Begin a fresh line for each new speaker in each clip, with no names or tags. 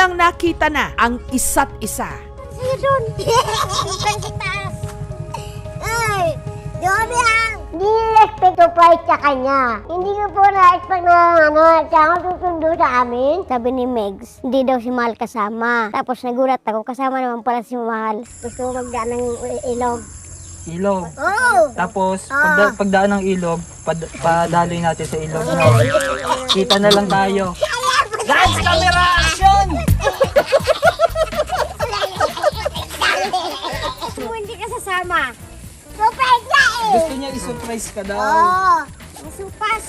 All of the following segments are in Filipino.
nang nakita na ang isa't isa.
Sa'yo doon. Hanggang sa taas. Ay, doon yan. Hindi na-expect to price sa kanya. Hindi ko po na-expect na siya ang susundo sa amin. Sabi ni Megs, hindi daw si Mahal kasama. Tapos nagulat ako, kasama naman pala si Mahal. Gusto ko magdaan ng ilog.
Ilog.
Oo!
Tapos, pagdaan ng ilog, padaloy natin sa ilog. No? Kita na lang tayo. Guys, camera action!
Hindi ka sasama. Surprise na eh!
Gusto niya i-surprise ka daw.
Oo! Masupas!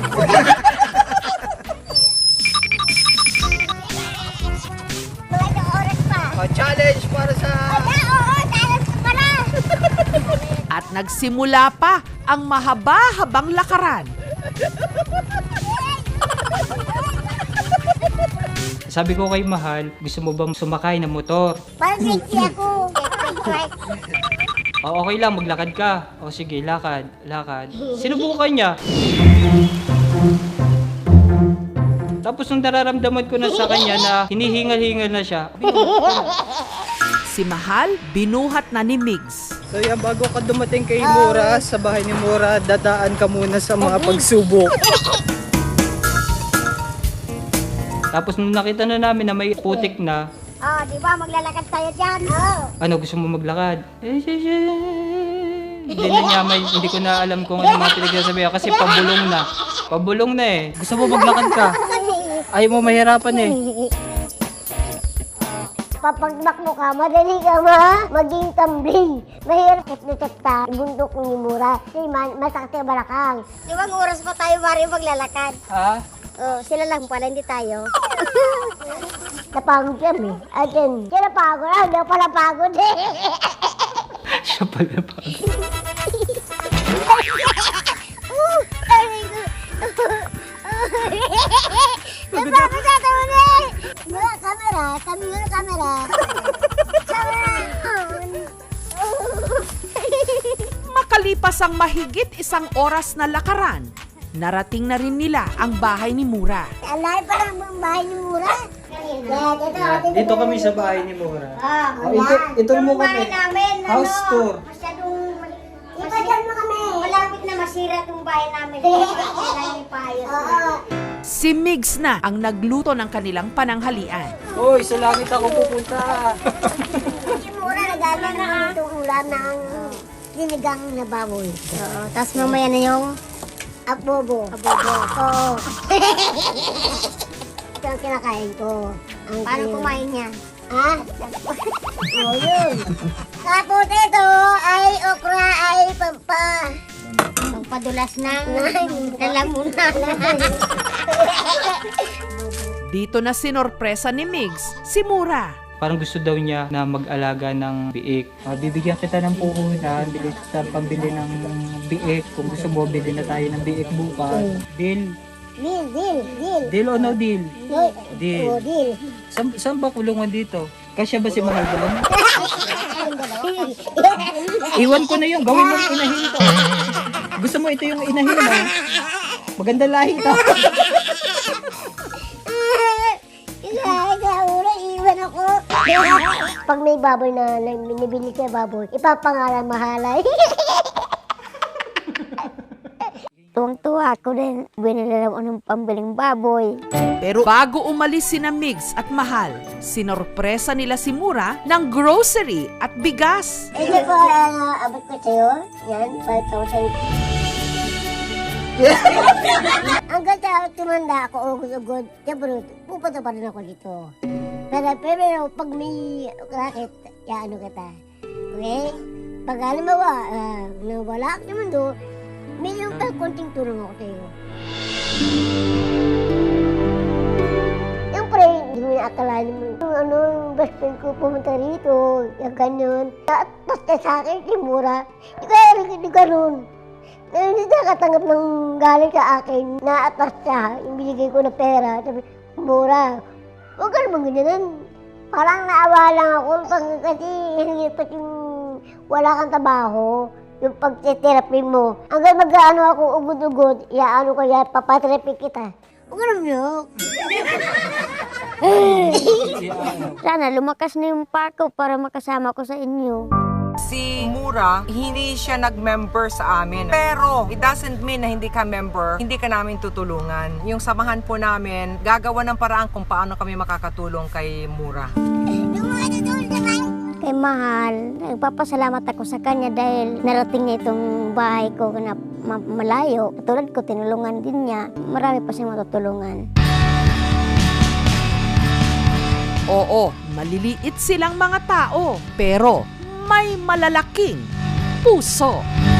Ilang oras pa?
Challenge para sa...
Oo! Challenge pa na!
At nagsimula pa ang mahaba-habang lakaran.
Sabi ko kay Mahal, gusto mo bang sumakay ng motor?
Parang sexy ako.
O, okay lang, maglakad ka. O sige, lakad, lakad. Sinubukan niya. Tapos nung nararamdaman ko na sa kanya na hinihingal-hingal na siya.
Si Mahal, binuhat na ni Migs.
So yan, bago ka dumating kay Mura, sa bahay ni Mura, dadaan ka muna sa mga pagsubok. Tapos nung nakita na namin na may putik na,
Oh, di ba? Maglalakad tayo dyan. Oh.
ano, gusto mo maglakad? Hindi na niya hindi ko na alam kung ano mga pinagsasabihan kasi pabulong na. Pabulong na eh. Gusto mo maglakad ka? Ayaw mo mahirapan eh.
Papagmak mo ka, madali ka maging tumbling. Mahirap na ta, bundok ni Mura. Kasi masakit ang balakang. Di ba oras pa tayo mari maglalakad?
Ha?
Oh, sila lang pala, hindi tayo. Napagod kami. Atin, siya napagod. Hindi ako pala pagod eh.
Siya pala pa.
Napagod sa taon eh. Mura, camera. Kami yung camera.
Makalipas ang mahigit isang oras na lakaran, narating na rin nila ang bahay ni Mura.
Alay pa lang ang bahay ni Mura.
Dito kami sa bahay ni Mura.
Ah,
Ito mo kami.
namin,
House tour.
Masyadong... Ipadyan mo kami. Malapit na masira itong bahay namin. Kailangan ipayos.
Si Migs na ang nagluto ng kanilang pananghalian.
Hoy, sa langit ako pupunta.
Si Mura nagano na itong ulam ng sinigang na baboy. Oo. Tapos mamaya na yung abobo. Abobo. Oo. Ito ang kinakain ko. Paano kumain niya? Ha? Oo, yun. Tapos ito ay okra ay pampadulas ng lalamunan.
Dito na sinorpresa ni Migs si Mura.
Parang gusto daw niya na mag-alaga ng biik. Bibigyan kita ng puhunan, bili kita pambili ng biik. Kung gusto mo, bili na tayo ng biik bukas. Deal?
Deal.
Deal o no deal? Deal.
Oo, deal.
Saan ba kulungan dito? Kasya ba si Mahal doon? Iwan ko na yun, gawin mo inahin to. Gusto mo ito yung inahin mo? Maganda lahi to.
Iwan ako. Pag may baboy na binibili siya baboy, ipapangalan Mahalay. Tuwang-tuwa ako din. Binili ako ng pambiling baboy.
Pero bago umalis sina Migs at Mahal, sinorpresa nila si Mura ng grocery at bigas.
Ito po, abot ko sa'yo. Yan, 5,000. Hanggang sa tumanda ako, ugod-ugod, siyempre, pupunta pa rin ako dito. Pero pag may racket, ano kita. Okay? Pag halimbawa, nawala ako naman doon, may yung konting tulong ako sa'yo. Siyempre, hindi mo naakalain mo. Yung best friend ko pumunta rito, yung ganun. Tapos na sa akin, si Mura. Hindi ganun. Hindi nakatanggap ng galing sa akin. Naatas siya, yung binigay ko na pera. Sabi, Mura, huwag ka naman ganyan. Parang naawa lang ako kasi hindi pa yung wala kang trabaho. Yung pag-therapy mo. Hanggang mag-ano ako, ugod-ugod, iaano ko yan, papatherapy kita. Huwag ka naman yun. Sana lumakas na yung pako para makasama ko sa inyo.
Si Mura, hindi siya nag-member sa amin. Pero, it doesn't mean na hindi ka member, hindi ka namin tutulungan. Yung samahan po namin, gagawa ng paraan kung paano kami makakatulong kay Mura.
Kay Mahal, nagpapasalamat ako sa kanya dahil narating niya itong bahay ko na malayo. Tulad ko, tinulungan din niya. Marami pa siyang matutulungan.
Oo, maliliit silang mga tao, pero may malalaking puso.